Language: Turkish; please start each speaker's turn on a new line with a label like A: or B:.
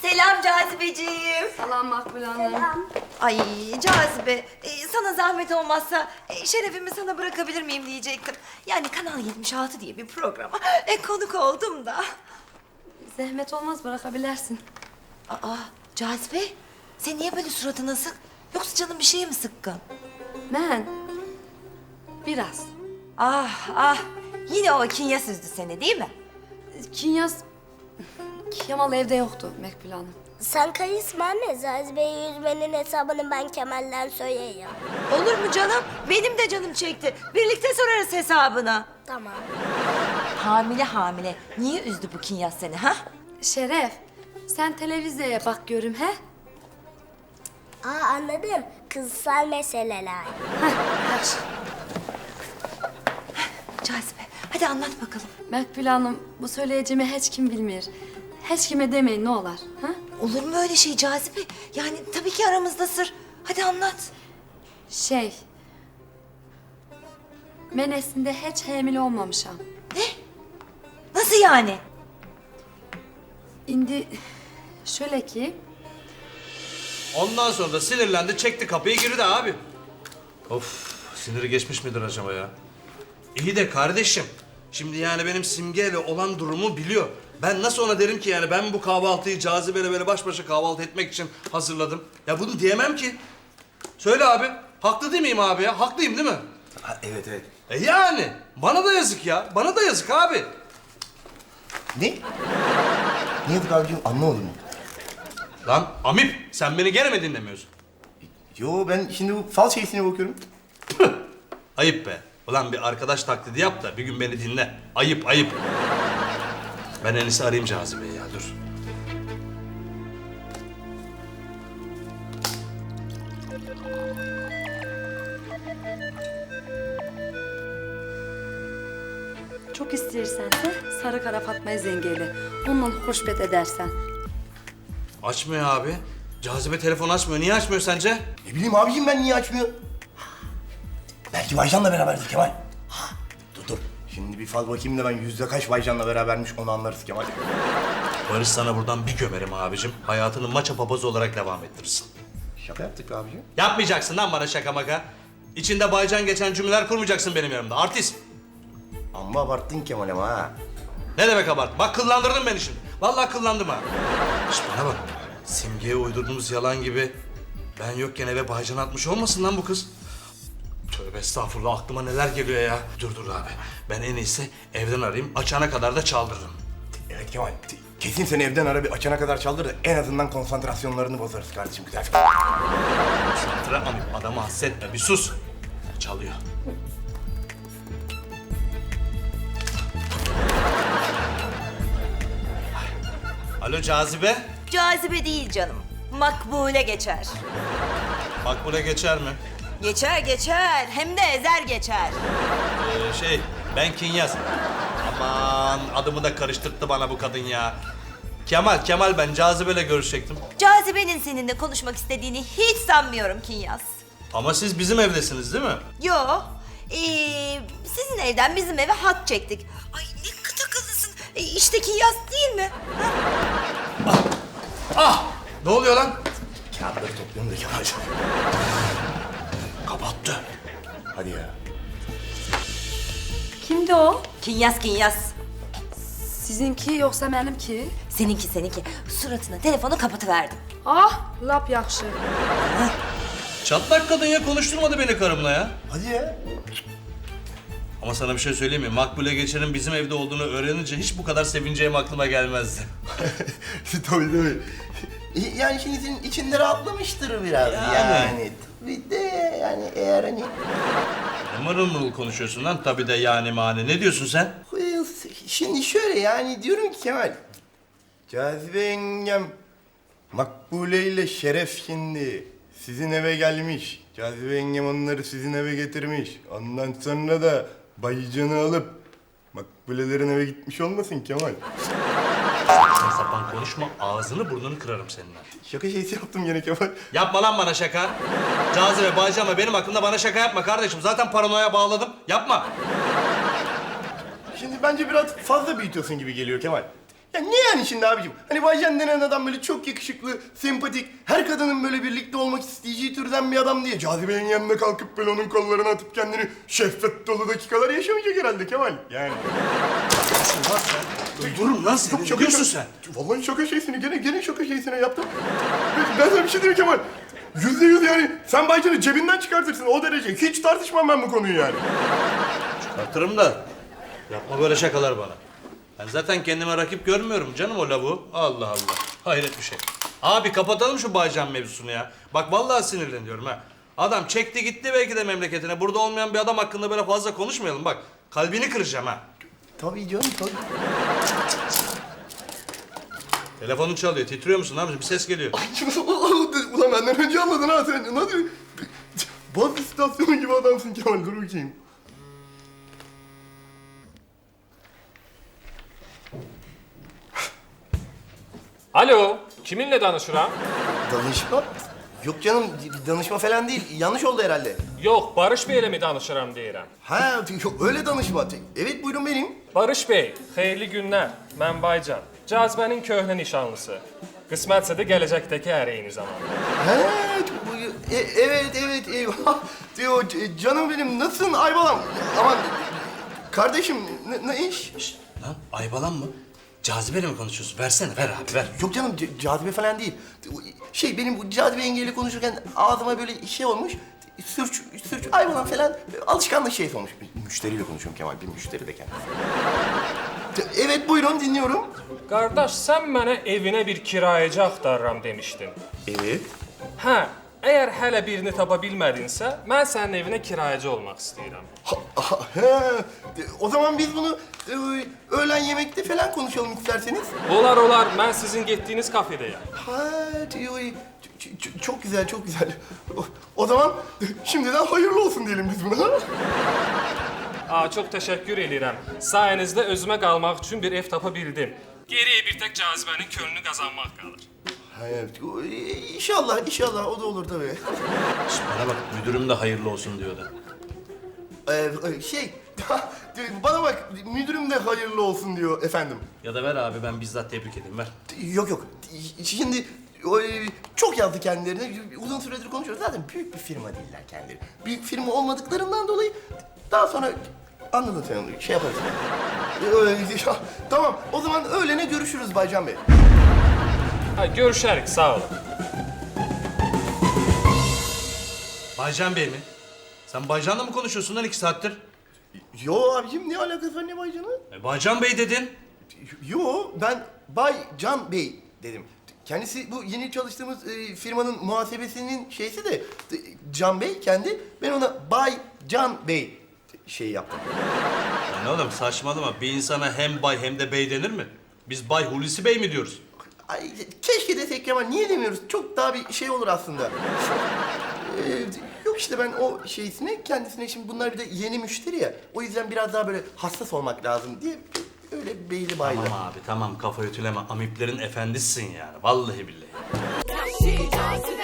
A: Selam Cazibeciğim.
B: Selam Makbule Hanım.
A: Ay Cazibe, sana zahmet olmazsa şerefimi sana bırakabilir miyim diyecektim. Yani Kanal 76 diye bir programa konuk oldum da.
B: Zahmet olmaz, bırakabilirsin.
A: Aa Cazibe, sen niye böyle suratın asık? Yoksa canın bir şeye mi sıkkın?
B: Ben biraz.
A: Ah ah, yine o Kinya süzdü seni değil mi?
B: Kinyas Kemal evde yoktu Makbule Hanım.
C: Sen karışma anne. Cazibe'ye yüzmenin hesabını ben Kemal'den söyleyeyim.
A: Olur mu canım? Benim de canım çekti. Birlikte sorarız hesabını.
C: Tamam.
A: Hamile hamile. Niye üzdü bu Kinyas seni ha?
B: Şeref, sen televizyaya bak görüm he?
C: Anladım. Kızsal meseleler.
A: Cazibe, hadi anlat bakalım.
B: Makbule Hanım, bu söyleyeceğimi hiç kim bilmiyor. Hiç kime demeyin ne olur. Ha?
A: Olur mu öyle şey Cazibe? Yani tabii ki aramızda sır. Hadi anlat.
B: Ben aslında hiç hamile olmamışam.
A: Nasıl yani?
B: Şimdi şöyle ki,
D: Ondan sonra da sinirlendi, çekti kapıyı girdi abi. Of, siniri geçmiş midir acaba ya? İyi de kardeşim, şimdi yani benim Simge'yle olan durumu biliyor. Ben nasıl ona derim ki yani ben bu kahvaltıyı Cazibe'yle böyle baş başa kahvaltı etmek için hazırladım. Ya bunu diyemem ki. Söyle abi, haklı değil miyim abi ya? Haklıyım değil mi?
E: Ha, evet evet.
D: Yani, bana da yazık ya, bana da yazık abi.
E: Ne? Ne yazık abicim anlamadım.
D: Lan Amip, sen beni gene mi dinlemiyorsun?
E: Yo ben şimdi bu fal şeysine bakıyorum.
D: Ayıp be. Ulan bir arkadaş taklidi yap da bir gün beni dinle. Ayıp, ayıp. Ben en iyisi arayayım Cazibe'yi ya, dur.
B: çok istersen de Sarı Kara Fatma'yı zengeyle. Onunla hoşbet edersen.
D: Açmıyor abi. Cazibe telefon açmıyor. Niye açmıyor sence?
E: Ne bileyim abicim ben niye açmıyor? Belki Vaycan'la beraberdir Kemal. Dur. Şimdi bir fal bakayım da ben yüzde kaç Vaycan'la berabermiş onu anlarız Kemal.
D: Barış sana buradan bir gömerim abicim. Hayatını maça papazı olarak devam ettirirsin.
E: Şaka yaptık be abicim.
D: Yapmayacaksın lan bana şaka maka. İçinde baycan geçen cümleler kurmayacaksın benim yanımda. Artist.
E: Amma abarttın Kemal ama ha.
D: Ne demek abart? Bak kıllandırdın beni şimdi. Vallahi kıllandım ha. Şş bana bak. Simge'ye uydurduğumuz yalan gibi ben yokken eve baycan atmış olmasın lan bu kız. Tövbe estağfurullah aklıma neler geliyor ya. Dur abi. Ben en iyisi evden arayayım. Açana kadar da çaldırırım.
E: Evet Kemal. Kesin seni evden ara bir açana kadar çaldır da en azından konsantrasyonlarını bozarız kardeşim güzel.
D: Santra amip adamı hassetme bir sus. Çalıyor. Alo Cazibe.
A: Cazibe değil canım. Makbule geçer.
D: Makbule geçer mi?
A: Geçer geçer. Hem de ezer geçer.
D: Ben Kinyas. Aman adımı da karıştırttı bana bu kadın ya. Kemal ben Cazibe'yle görüşecektim.
A: Cazibe'nin seninle konuşmak istediğini hiç sanmıyorum Kinyas.
D: Ama siz bizim evdesiniz değil mi?
A: Yo. Sizin evden bizim eve hat çektik. Ay ne kıt akıllısın. İşte Kinyas değil mi?
D: Ne oluyor lan?
E: Kağıtları topluyorum da Kemal.
D: Kapattı.
E: Hadi ya.
B: Kimdi o?
A: Kinyas.
B: Sizinki yoksa benimki?
A: Seninki. Suratına telefonu kapatıverdim.
B: Ah, lap yakşı.
D: Çatlak kadın ya konuşturmadı beni karımla ya.
E: Hadi ya.
D: Ama sana bir şey söyleyeyim mi? Makbule Geçer'in bizim evde olduğunu öğrenince hiç bu kadar sevineceğim aklıma gelmezdi.
E: tabii. Yani şimdi senin içinde rahatlamıştır biraz yani. Tabii de yani eğer hani...
D: Ne mırıl mırıl konuşuyorsun lan? Tabii de yani mani. Ne diyorsun sen?
E: Şimdi şöyle yani diyorum ki Kemal. Cazibe yengem Makbule ile Şeref şimdi sizin eve gelmiş. Cazibe yengem onları sizin eve getirmiş. Ondan sonra da Baycan'ı alıp Makbulelerin eve gitmiş olmasın Kemal?
D: Saçma sapan konuşma. Ağzını burnunu kırarım seninle.
E: Şaka şeysi yaptım gene Kemal.
D: Yapma lan bana şaka. Cazibe, Baycan benim hakkımda bana şaka yapma kardeşim. Zaten paranoya bağladım. Yapma.
E: Şimdi bence biraz fazla büyütüyorsun gibi geliyor Kemal. Ya ne yani şimdi abicim? Hani Baycan denen adam böyle çok yakışıklı, sempatik, her kadının böyle birlikte olmak isteyeceği türden bir adam diye Cazibe'nin yanına kalkıp böyle onun kollarına atıp kendini şehvet dolu dakikalar yaşamayacak herhalde Kemal. Yani.
D: Durun lan sen. Ne diyorsun sen?
E: Vallahi şaka şeysini, gene şaka şeysine yaptım. Ben sana bir şey diyeyim Kemal. %100 yani sen Baycan'ı cebinden çıkartırsın o derece. Hiç tartışmam ben bu konuyu yani.
D: Çıkartırım da. Yapma böyle şakalar bana. Ben zaten kendime rakip görmüyorum canım o lavuğu. Allah Allah. Hayret bir şey. Abi kapatalım şu Baycan mevzusunu ya. Bak vallahi sinirleniyorum ha. Adam çekti gitti belki de memleketine. Burada olmayan bir adam hakkında böyle fazla konuşmayalım bak. Kalbini kıracağım ha.
E: Tabii canım tabii.
D: Telefonun çalıyor. Titriyor musun abi? Bir ses geliyor.
E: Ulan benden önce anladın ha sen. Nasıl? Baz istasyonu gibi adamsın Kemal. Dur bakayım.
F: Alo, kiminle danışıram?
E: Danışma? Yok canım danışma falan değil. Yanlış oldu herhalde.
F: Yok, Barış Bey'le mi danışıram deyirəm.
E: Ha yok öyle danışma. Evet buyurun benim.
F: Barış Bey, xeyirli günlər. Mən Baycan. Cazibənin köhnə nişanlısı. Qismətsə də gələcəkdəki əri eyni zamanda.
E: Ha, evet eyvah. Diyor canım benim nasılsın Aybalam? Aman kardeşim ne iş?
D: Lan Aybalan mı? Cazibeyle mi konuşuyorsun? Versene ver abi ver.
E: Yok canım cazibe falan değil. Benim bu cazibe yengeyle konuşurken ağzıma böyle şey olmuş. Sürç Aybalan falan alışkanlık şey olmuş. Bir müşteriyle konuşuyorum Kemal. Bir müşteri de kendisi. Evet buyurun dinliyorum.
F: Qardaş, sən mənə evinə bir kirayəci axtarıram demişdin.
E: Evet.
F: Hə, əgər hələ birini tapa bilmədinsə, mən sənin evinə kirayəci olmaq istəyirəm.
E: O zaman biz bunu öğlen yemekte falan konuşalım isterseniz.
F: Olar, mən sizin getdiyiniz kafedəyəm.
E: Ha, çok güzel, çok güzel. O zaman şimdiden hayırlı olsun diyelim biz buna.
F: Çox təşəkkür edirəm. Sayənizdə özümə qalmaq üçün bir ev tapa bildim. Geriyə bir tək Cazibənin könlünü qazanmaq qalır.
E: Evet, inşallah o da olur tabii.
D: Şişt, bana bak müdürüm de hayırlı olsun diyordu.
E: Bana bak müdürüm de hayırlı olsun diyor efendim.
D: Ya da ver abi ben bizzat tebrik edeyim ver.
E: Yok. Şimdi çok yazdı kendilerine. Uzun süredir konuşuyoruz. Zaten büyük bir firma değiller kendileri. Büyük firma olmadıklarından dolayı daha sonra anladın sen onu. Şey yaparız. Tamam. O zaman öğlene görüşürüz Baycan Bey.
F: Ha, görüşərik, sağ olun.
D: Baycan Bey mi? Sen Baycan'la mı konuşuyorsun lan 2 saattir?
E: Yo abicim ne alakası var ne Baycan'ı?
D: Baycan Bey dedin.
E: Yo ben Bay Can Bey dedim. Kendisi bu yeni çalıştığımız firmanın muhasebesinin şeysi de Can Bey kendi. Ben ona Bay Can Bey şey yaptım.
D: Lan oğlum saçmalama bir insana hem bay hem de bey denir mi? Biz Bay Hulusi Bey mi diyoruz?
E: Ay, keşke desek Kemal niye demiyoruz? Çok daha bir şey olur aslında. Yok işte ben o şeysine kendisine şimdi bunlar bir de yeni müşteri ya. O yüzden biraz daha böyle hassas olmak lazım diye öyle beyli baylı.
D: Tamam abi tamam kafa ütüleme amiplerin efendisisin yani vallahi billahi.
G: Vahşi cazibe